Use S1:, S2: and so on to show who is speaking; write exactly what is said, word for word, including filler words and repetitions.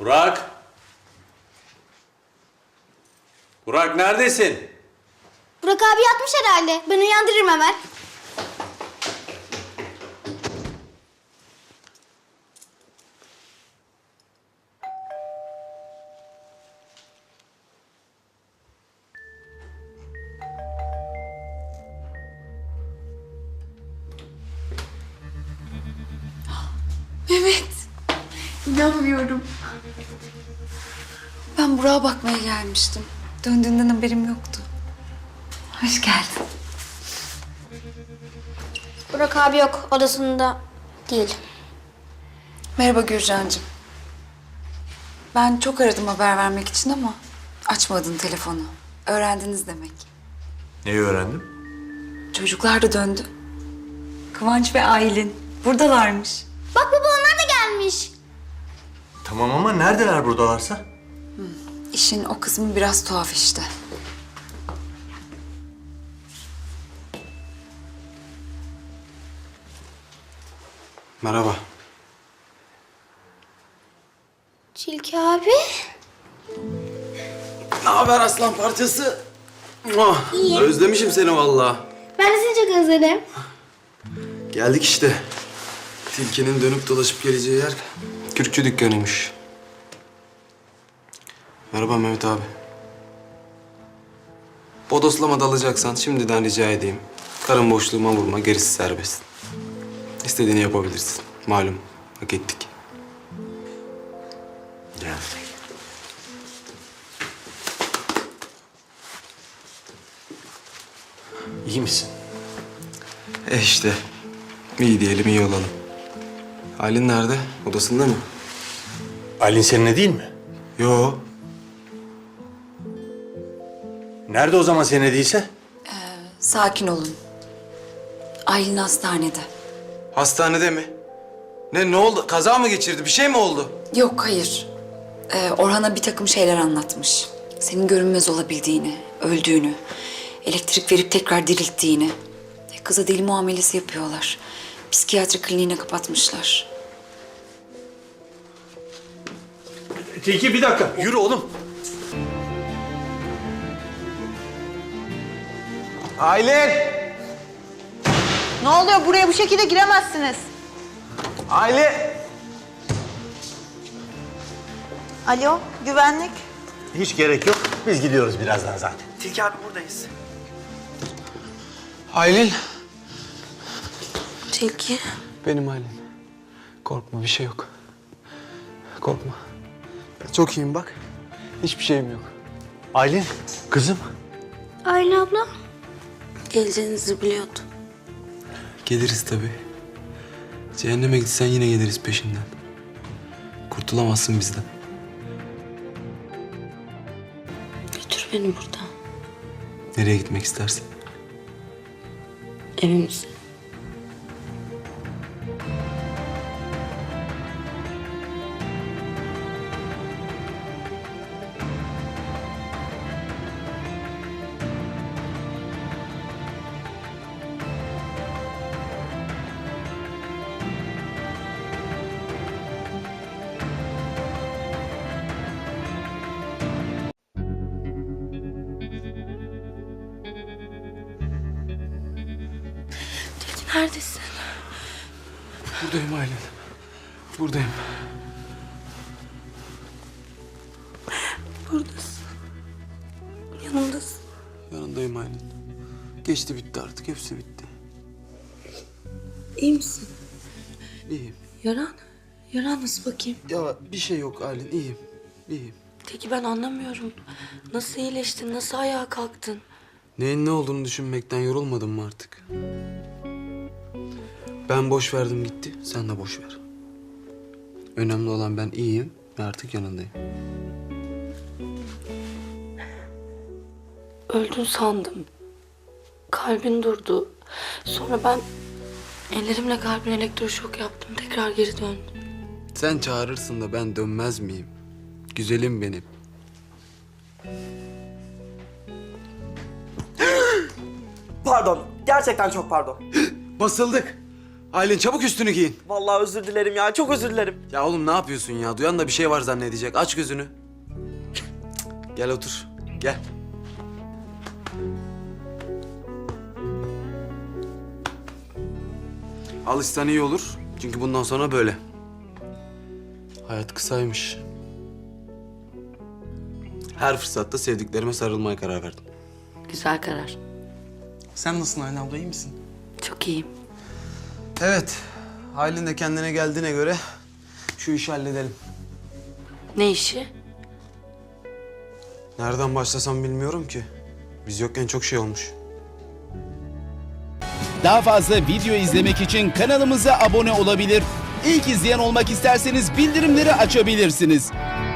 S1: Burak! Burak neredesin?
S2: Burak abi yatmış herhalde. Ben uyandırırım hemen.
S3: Mehmet. İnanmıyorum. Ben Burak'a bakmaya gelmiştim. Döndüğünden haberim yoktu. Hoş geldin.
S2: Burak abi yok. Odasında değil.
S3: Merhaba Gürcan'cığım. Ben çok aradım haber vermek için ama açmadın telefonu. Öğrendiniz demek.
S1: Neyi öğrendim?
S3: Çocuklar da döndü. Kıvanç ve Aylin buradalarmış.
S2: Bak baba onlar da gelmiş.
S1: Tamam ama neredeler buradalarsa?
S3: İşin o kısmı biraz tuhaf işte.
S4: Merhaba.
S2: Tilki abi.
S4: Ne haber aslan parçası? Oh,
S2: İyi.
S4: özlemişim seni vallahi.
S2: Ben de seni çok özledim.
S4: Geldik işte. Tilkinin dönüp dolaşıp geleceği yer kürkçü dükkanıymış. Merhaba Mehmet abi. Bodoslama dalacaksan şimdiden rica edeyim. Karın boşluğuma vurma, gerisi serbest. İstediğini yapabilirsin. Malum, hak ettik.
S1: Gel. İyi misin?
S4: E işte, iyi diyelim, iyi olalım. Aylin nerede? Odasında mı?
S1: Aylin seninle değil mi?
S4: Yo.
S1: Nerede o zaman seninle değilse?
S3: Sakin olun. Aylin hastanede.
S4: Hastanede mi? Ne, ne oldu? Kaza mı geçirdi? Bir şey mi oldu?
S3: Yok, hayır. Ee, Orhan'a bir takım şeyler anlatmış. Senin görünmez olabildiğini, öldüğünü, elektrik verip tekrar dirilttiğini. E, Kıza deli muamelesi yapıyorlar. Psikiyatri kliniğine kapatmışlar.
S1: Tilki bir dakika. Yürü oğlum.
S4: Aylin!
S5: Ne oluyor? Buraya bu şekilde giremezsiniz.
S4: Aylin!
S5: Alo, güvenlik.
S6: Hiç gerek yok. Biz gidiyoruz birazdan zaten.
S5: Tilki abi buradayız.
S4: Aylin!
S5: Tilki.
S4: Benim Aylin. Korkma, bir şey yok. Korkma. Ben çok iyiyim bak. Hiçbir şeyim yok.
S6: Aylin, kızım.
S2: Aylin abla.
S5: Geleceğinizi biliyordum.
S4: Geliriz tabii. Cehenneme gitsen yine geliriz peşinden. Kurtulamazsın bizden.
S5: Götür beni buradan.
S4: Nereye gitmek istersin?
S5: Evimize. Tilki neredesin?
S4: Buradayım Aylin. Buradayım.
S5: Buradasın. Yanımdasın.
S4: Yanındayım Aylin. Geçti bitti artık. Hepsi bitti.
S5: İyi misin?
S4: İyiyim.
S5: Yaran? Yaran nasıl bakayım?
S4: Ya bir şey yok Aylin. İyiyim. İyiyim.
S5: Tilki ben anlamıyorum. Nasıl iyileştin? Nasıl ayağa kalktın?
S4: Neyin ne olduğunu düşünmekten yorulmadın mı artık? Ben boş verdim gitti. Sen de boş ver. Önemli olan ben iyiyim ve artık yanındayım.
S5: Öldün sandım. Kalbin durdu. Sonra ben ellerimle kalbine elektroşok yaptım. Tekrar geri döndüm.
S4: Sen çağırırsın da ben dönmez miyim? Güzelim benim.
S7: Pardon, gerçekten çok pardon.
S4: Basıldık. Aylin çabuk üstünü giyin.
S7: Vallahi özür dilerim ya, çok özür dilerim.
S4: Ya oğlum ne yapıyorsun ya? Duyan da bir şey var zannedecek. Aç gözünü. Gel otur. Gel. Alışsan iyi olur. Çünkü bundan sonra böyle. Hayat kısaymış. Her fırsatta sevdiklerime sarılmaya karar verdim.
S5: Güzel karar.
S7: Sen nasılsın Aylin abla, iyi misin?
S5: Çok iyiyim.
S4: Evet. Aylin de kendine geldiğine göre şu işi halledelim.
S5: Ne işi?
S4: Nereden başlasam bilmiyorum ki. Biz yokken çok şey olmuş.
S8: Daha fazla video izlemek için kanalımıza abone olabilir. İlk izleyen olmak isterseniz bildirimleri açabilirsiniz.